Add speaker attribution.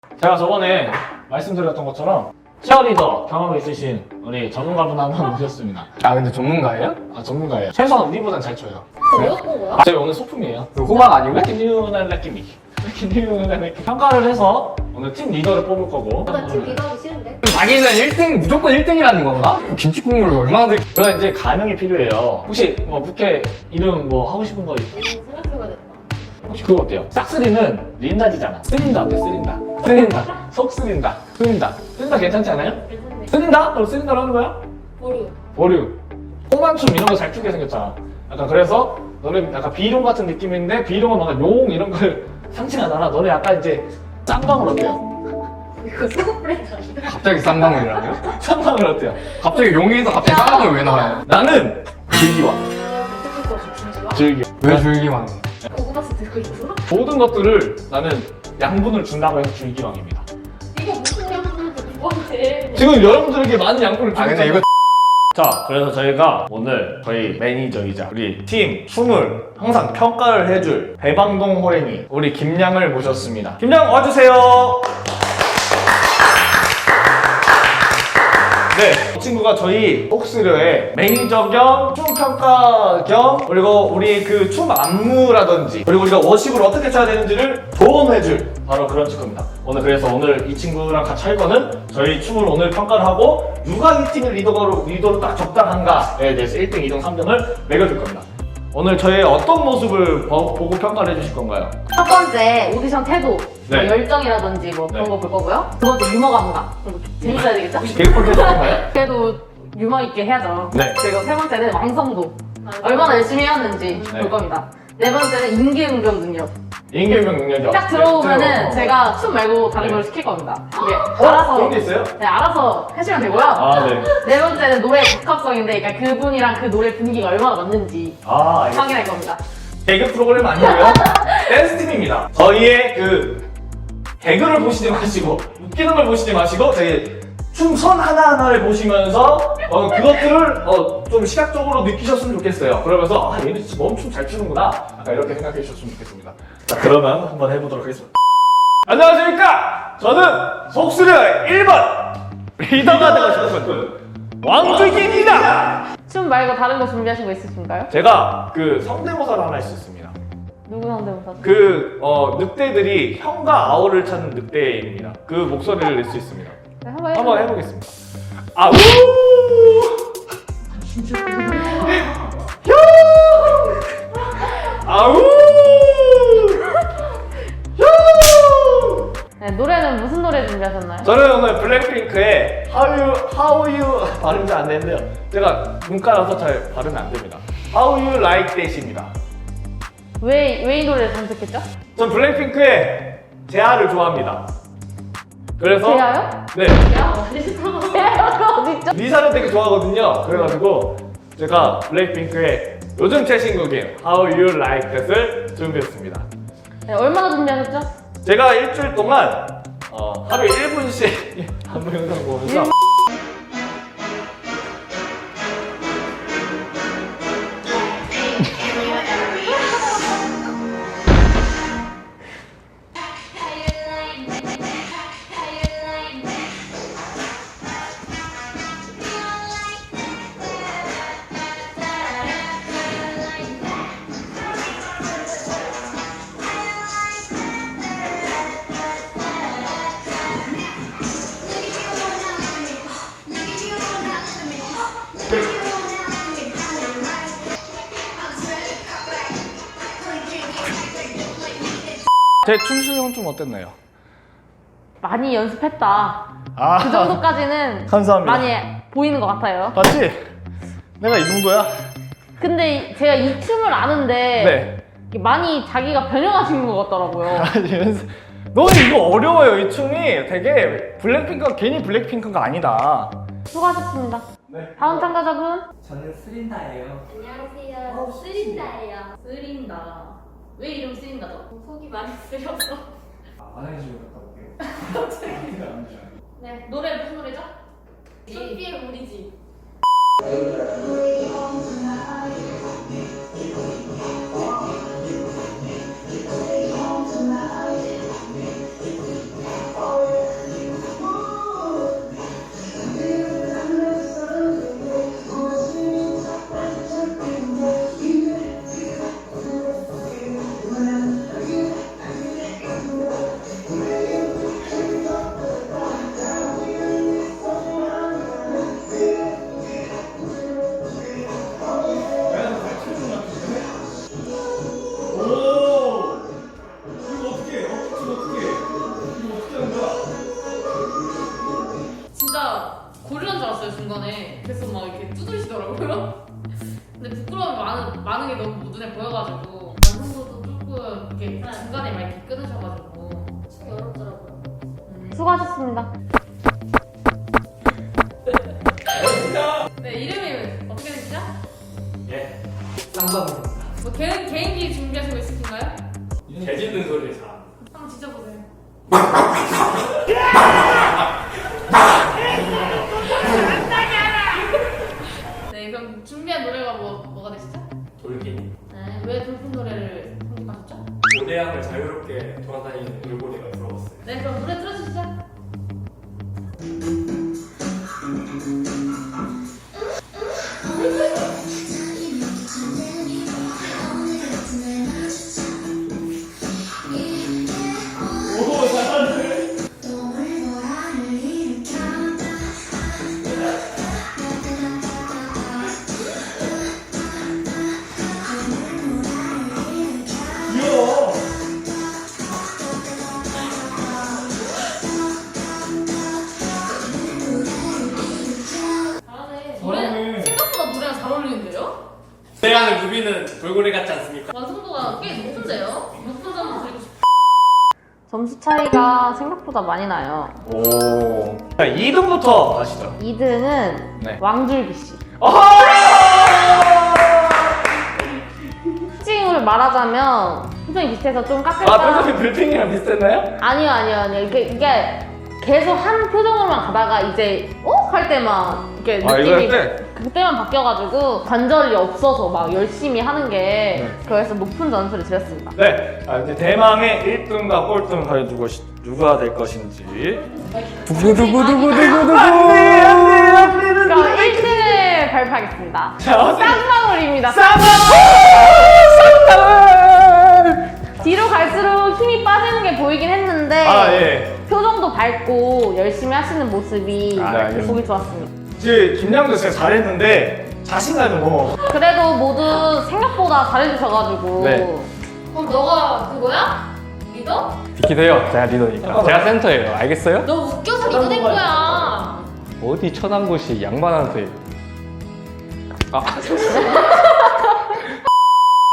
Speaker 1: 제가 저번에 말씀드렸던 것처럼 치어리더 경험이 있으신 우리 전문가분 한 분 모셨습니다.
Speaker 2: 아 근데 전문가예요?
Speaker 1: 아 전문가예요. 최소한 우리보단 잘 쳐요.
Speaker 3: 내가 본 거야?
Speaker 1: 저희 오늘 소품이에요.
Speaker 2: 호박 아니고?
Speaker 1: 레키뉴날 레키미. 레키뉴날 레키. 평가를 해서 오늘 팀 리더를 뽑을 거고.
Speaker 3: 나팀 리더하기 싫은데?
Speaker 2: 자기는 1등 무조건 1등이라는 건가? 김치 국물을 얼마나 들...
Speaker 1: 그럼 이제 가능이 필요해요. 혹시 뭐 부캐 이름 뭐 하고 싶은 거
Speaker 3: 생각해봐야겠다.
Speaker 1: 혹시 그거 어때요? 싹쓸이는 린다지잖아. 쓰린다 어때? 쓰린다. 쓰린다. 속 쓰린다. 쓰린다. 쓰린다 괜찮지 않아요?
Speaker 3: 괜찮네.
Speaker 1: 쓰린다? 그럼 쓰린다로 하는 거야?
Speaker 3: 보류.
Speaker 1: 보류. 호만춤 이런 거 잘 추게 생겼잖아. 약간 그래서 너네 약간 비룡 같은 느낌인데 비룡은 뭔가 용 이런 걸 상징하잖아. 너네 약간 이제 쌍방울 어때요?
Speaker 3: 이거 속옷 브랜드 아닌가?
Speaker 2: 갑자기 쌍방울이라고요?
Speaker 1: 쌍방울 어때요?
Speaker 2: 갑자기 용에서 갑자기 쌍방울 왜 나와요?
Speaker 1: 나는 즐기왕.
Speaker 3: 듣고 싶어 진짜.
Speaker 1: 즐기.
Speaker 2: 왜 줄기만
Speaker 3: 고구마스 들고 있어?
Speaker 1: 모든 것들을 나는 양분을 준다고 해서 즐기왕입니다.
Speaker 3: 이거 무슨 양분인데 누구한테?
Speaker 1: 지금 여러분들에게 많은 양분을 주고
Speaker 2: 아 근데 이거
Speaker 1: 자, 그래서 저희가 오늘 저희 매니저이자 우리 팀 춤을 항상 평가를 해줄 배방동 호랭이 우리 김양을 모셨습니다. 김양 와주세요. 네, 이 친구가 저희 폭스르의 매니저 겸 춤 평가 겸 그리고 우리 그 춤 안무라든지 그리고 우리가 워십을 어떻게 쳐야 되는지를 조언해줄 바로 그런 친구입니다. 오늘 이 친구랑 같이 할 거는 저희 춤을 오늘 평가를 하고 누가 이 팀의 리더로 딱 적당한가에 대해서 1등, 2등, 3등을 매겨줄 겁니다. 오늘 저의 어떤 모습을 보고 평가를 해주실 건가요?
Speaker 3: 첫 번째 오디션 태도,
Speaker 1: 네.
Speaker 3: 뭐 열정이라든지 뭐 그런
Speaker 1: 네.
Speaker 3: 거 볼 거고요. 두 번째 유머 감각. 그리고 재밌어야 되겠죠?
Speaker 1: 혹시 개그 콘텐츠 할까요?
Speaker 3: 그래도 유머 있게 해야죠.
Speaker 1: 네.
Speaker 3: 그리고 세 번째는 완성도. 얼마나 열심히 해왔는지
Speaker 1: 네.
Speaker 3: 볼 겁니다. 네 번째는 임기응변 능력.
Speaker 1: 임기응변 능력이
Speaker 3: 딱 들어오면은 제가 춤 말고 다른 걸 시킬 겁니다. 이게 알아서
Speaker 1: 그런 게 있어요?
Speaker 3: 네, 알아서 해주면 되고요.
Speaker 1: 아, 네.
Speaker 3: 네 번째는 노래 적합성인데, 그러니까 그분이랑 그 노래 분위기가 얼마나 맞는지
Speaker 1: 아, 알겠습니다.
Speaker 3: 확인할 겁니다.
Speaker 1: 개그 프로그램 아니고요. 댄스 팀입니다. 저희의 그 개그를 보시지 마시고 웃기는 걸 보시지 마시고 저희 춤선 하나하나를 보시면서 그것들을 좀 시각적으로 느끼셨으면 좋겠어요. 그러면서 아 얘는 진짜 너무 춤 잘 추는구나. 약간 이렇게 생각해 주셨으면 좋겠습니다. 자 그러면 한번 해보도록 하겠습니다. 안녕하십니까. 저는 속수려 1번 리더가 되고 싶은 왕주기입니다.
Speaker 3: 춤 말고 다른 거 준비하신 거 있으신가요?
Speaker 1: 제가 그 성대모사를 하나 있었습니다.
Speaker 3: 누구 상대모사?
Speaker 1: 늑대들이 형과 아우를 찾는 늑대입니다. 그 목소리를 낼 수 있습니다.
Speaker 3: 네, 한번
Speaker 1: 한번
Speaker 3: 해보세요.
Speaker 1: 해보겠습니다. 아우! 아우!
Speaker 3: 네, 노래는 무슨 노래 준비하셨나요?
Speaker 1: 저는 오늘 블랙핑크의 How You 발음이 잘 안 되는데요. 제가 문과라서 잘 발음이 안 됩니다. How You Like That입니다.
Speaker 3: 왜 이 노래를 선택했죠?
Speaker 1: 전 블랙핑크의 제아를 좋아합니다. 그래서
Speaker 3: 제아요?
Speaker 1: 네.
Speaker 3: 제아가 어딨죠?
Speaker 1: 리사를 되게 좋아하거든요. 그래가지고 제가 블랙핑크의 요즘 최신곡인 How You Like That을 준비했습니다.
Speaker 3: 네, 얼마나 준비하셨죠?
Speaker 1: 제가 일주일 동안 하루에 1분씩 안무 영상 보면서 제 춤 실력은 좀 어땠나요?
Speaker 3: 많이 연습했다.
Speaker 1: 아,
Speaker 3: 그 정도까지는
Speaker 1: 감사합니다.
Speaker 3: 많이 보이는 것 같아요.
Speaker 1: 맞지? 내가 이 정도야?
Speaker 3: 근데 제가 이 춤을 아는데
Speaker 1: 네.
Speaker 3: 이게 많이 자기가 변형하신 것 같더라고요.
Speaker 1: 아니 연습. 너는 이거 어려워요. 이 춤이 되게 블랙핑크가 괜히 블랙핑크가 아니다.
Speaker 3: 수고하셨습니다.
Speaker 1: 네.
Speaker 3: 다음 참가자분.
Speaker 4: 저는 쓰린다예요.
Speaker 3: 안녕하세요. 쓰린다예요. 쓰린다. 왜 이름 쓰린다죠? 속이 많이 쓰려서.
Speaker 4: 화장실 좀 갔다 올게요.
Speaker 3: 네, 노래 무슨 노래죠? 소피의 우리 집. 너무 눈에 보여가지고 완성도도 조금 이렇게 중간에 막 이렇게 끊으셔가지고 참 어렵더라고요.
Speaker 5: 수고하셨습니다.
Speaker 3: 네, 이름이 어떻게 되시죠?
Speaker 4: 예. 쌍방입니다.
Speaker 3: 뭐 개인기 준비하시고 있으신가요?
Speaker 4: 개 짖는 소리를 잘.
Speaker 3: 한번 지져보세요. 네, 그럼 준비한 노래가 뭐가 되시죠?
Speaker 4: 돌기니.
Speaker 3: 네, 왜 돌풍 노래를 선택하셨죠?
Speaker 4: 고대양을 자유롭게 돌아다니는 돌고래가 들어왔어요.
Speaker 3: 네, 그럼 노래 틀어주시죠.
Speaker 1: 오, 잘하네. 귀여워.
Speaker 3: 잘하네.
Speaker 1: 잘하네.
Speaker 3: 생각보다 노래가 잘 어울리는데요?
Speaker 4: 고대양을 누비는 돌고래 같지 않습니까?
Speaker 3: 완성도가 꽤 높은데요? 높은 점을 드리고 싶어요.
Speaker 5: 점수 차이가 생각보다 많이 나요.
Speaker 1: 오. 자, 2등부터 가시죠.
Speaker 5: 2등은
Speaker 1: 네.
Speaker 5: 왕줄기 씨.
Speaker 1: 아하!
Speaker 5: 특징을 말하자면 표정이 비슷해서 좀 깎을까?
Speaker 1: 아, 표정이 불핑이랑 비슷했나요?
Speaker 5: 아니요. 이게 계속 한 표정으로만 가다가 이제 할 때만 이렇게
Speaker 1: 아, 이거 할
Speaker 5: 느낌이
Speaker 1: 때?
Speaker 5: 그때만 바뀌어가지고 관절이 없어서 막 열심히 하는 게
Speaker 1: 네.
Speaker 5: 그래서 높은 점수를 드렸습니다.
Speaker 1: 네. 이제 대망의 1등과 꼴등 과연 누가 될 것인지.
Speaker 5: 그럼 1등을 발표하겠습니다.
Speaker 1: 자, 어디?
Speaker 5: 쌍방울입니다. 뒤로 갈수록 힘이 빠지는 게 보이긴 했는데
Speaker 1: 아, 예.
Speaker 5: 표정도 밝고 열심히 하시는 모습이
Speaker 1: 네, 알겠습니다.
Speaker 5: 보기 좋았습니다.
Speaker 1: 이제 김양도 진짜 잘했는데 자신감이 너무.
Speaker 5: 그래도 모두 생각보다 잘해주셔가지고
Speaker 1: 네.
Speaker 3: 그럼 너가 그거야? 리더?
Speaker 2: 비키세요. 제가 리더니까. 제가 센터예요. 알겠어요?
Speaker 3: 너 웃겨서 리더 된 거야.
Speaker 2: 어디 천한 곳이 양반한테. 아,